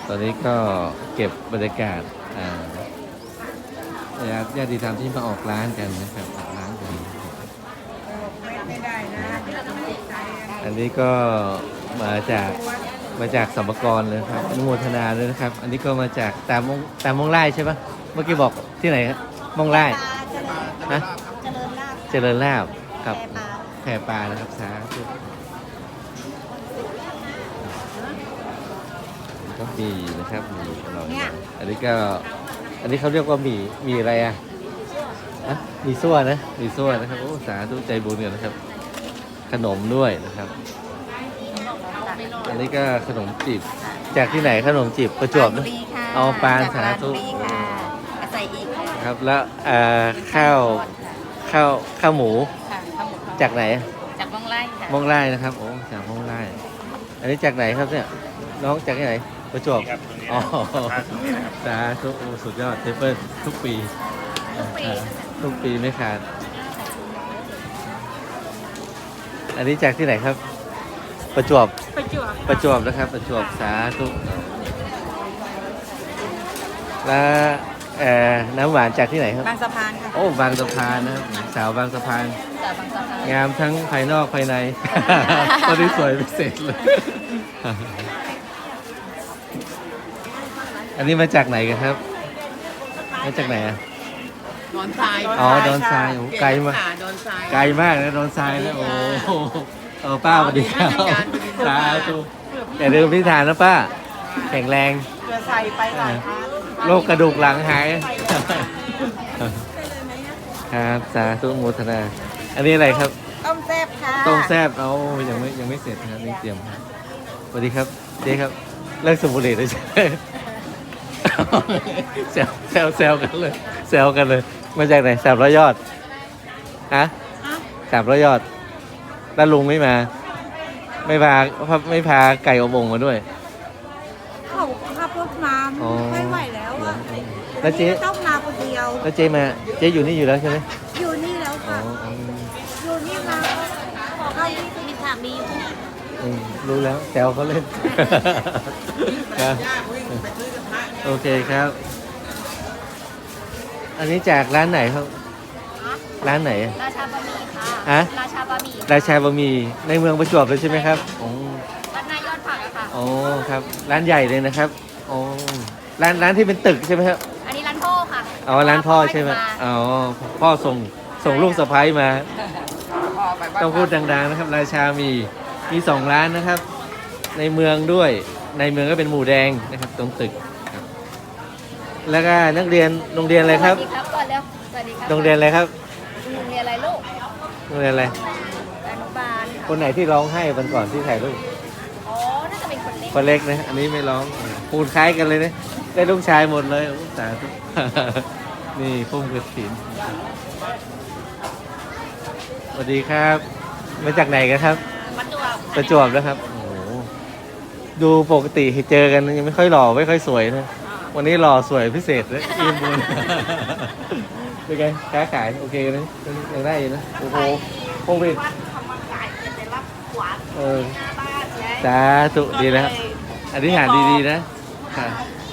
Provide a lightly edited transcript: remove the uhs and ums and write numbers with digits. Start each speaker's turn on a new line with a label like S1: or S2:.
S1: ตอนนี้ก็เก็บบรรยากาศญาติธรรมที่มาออกร้านกันนะครับออกร้านกัน
S2: ไม่ได้นะ
S1: อันนี้ก็มาจากสัมภากระเลยครับอนุโมทนาเลยนะครับ อันนี้ก็มาจากตามมงไล่ใช่ปะเมื่อกี้บอกที่ไหนครับมงไล่ฮะเจริญลาภครับแพปลานะครับสาธุก็มีนะครับมีอร่อยอันนี้เขาเรียกว่ามีอะไรอ่ะมีซั่วนะมีซั่วนะครับโอ้สาธุใจบุญกันนะครับขนมด้วยนะครับอันนี้ก็ขนมจีบจากที่ไหนขนมจีบประจวบนะเอาปานสาธุ
S2: ใส่อีก
S1: ครับแล้วข้าวหมูจากไหน
S2: จากมองไร่ค่ะ
S1: มองไร่นะครับโอ้จากมองไร่อันนี้จากไหนครับเนี่ยน้องจากที่ไหนประจวบอ๋อสาธุสุดยอดเทเปิลทุกปีไม่ขาดอันนี้จากที่ไหนครับประจวบนะครับประจวบสาธุแล้วน้ำหวานจากที่ไหนครับ
S2: บางสะพานค่ะ
S1: โอ้บางสะพานนะครับสาวบางสะพานงามทั้งภายนอกภายในตอนนี้สวยพิเศษเลยอันนี้มาจากไหนกันครับมาจากไหนอะ
S2: ดอนทราย
S1: อ๋อดอนทรายโอ้ไกลมากไกลมากนะดอนทรายนะโอ้ป้าสวัสดีครับสาธุอย่าลืมพิธานนะป้าแข็งแรง
S2: เรือใส่ไปหลายครั้ง
S1: โรคกระดูกหลังหายครับสาธุโมทนาอันนี้อะไรครับ
S2: ต้มแซ่บค่ะ
S1: ต้มแซ่บเอายังไม่เสร็จนะครับนี่เตรียมสวัสดีครับเจ๊ครับเลิกสูบบุหรี่เลยใช่ไหมแซวกันเลยมาจากไหน300 ยอดฮะ300 ยอดแล้วลุงไม่มาไม่พาไก่อบโอ่งมาด้วย
S2: เขาขับรถมาไม่ไหวแล้วอ่ะ
S1: แล้วเจ๊
S2: ต้องมาคนเดียว
S1: แล้วเจ๊อยู่นี่อยู่แล้วใช่ไหม
S2: อยู่นี่แล้วค่ะอยู่นี่มาเขามีสามีอยู่ที่
S1: รู้แล้วแซวเขาเล่นครับโอเคครับอันนี้จากร้านไหนครับร้านไหน
S2: ราชาบะหมี่ค่ะราชาบะห
S1: มี่ในเมืองประจวบเลยใช่ไหมครับ
S2: ร้านนายยอดผักอะค่ะ
S1: อ๋อครับร้านใหญ่เลยนะครับอ๋อร้านที่เป็นตึกใช่ไหมครับ
S2: อันนี้ร้านพ่อค่ะ
S1: อ๋อร้านพ่อใช่ไหมอ๋อพ่อส่งลูกสะใภ้มาต้องพูดดังๆนะครับราชามี2 ร้านนะครับในเมืองด้วยในเมืองก็เป็นหมูแดงนะครับตรงตึกครับแล้วก็นักเรียนโรงเรียนอะไรครับ
S2: สวัสดีครับก่อนเร็วสวัสดีครับ
S1: โรงเรียนอะไรครับ
S2: โรงเรียนอะไรลูก
S1: โรงเรียนอะไร
S2: อนุบาล
S1: คนไหนที่ร้องไห้วันก่อนที่ถ่ายรูป
S2: อ๋อน่าจะเป็นคนเล็ก
S1: นะอันนี้ไม่ร้องปูนคล้ายกันเลยนะได้ลูกชายหมดเลยสาธุนี่พุ่มกระถินสวัสดีครับมาจากไหนกันครับประจวบนะครับโอ้โหดูปกติเจอกันยังไม่ค่อยหล่อไม่ค่อยสวยนะวันนี้หล่อสวยพิเศษเลยอิ่มบุญเป็นไงค้าขายโอเคนะยังได้นะโอ้โหโควิดสาธุดีแล้วอธิษฐานดีๆนะค่ะ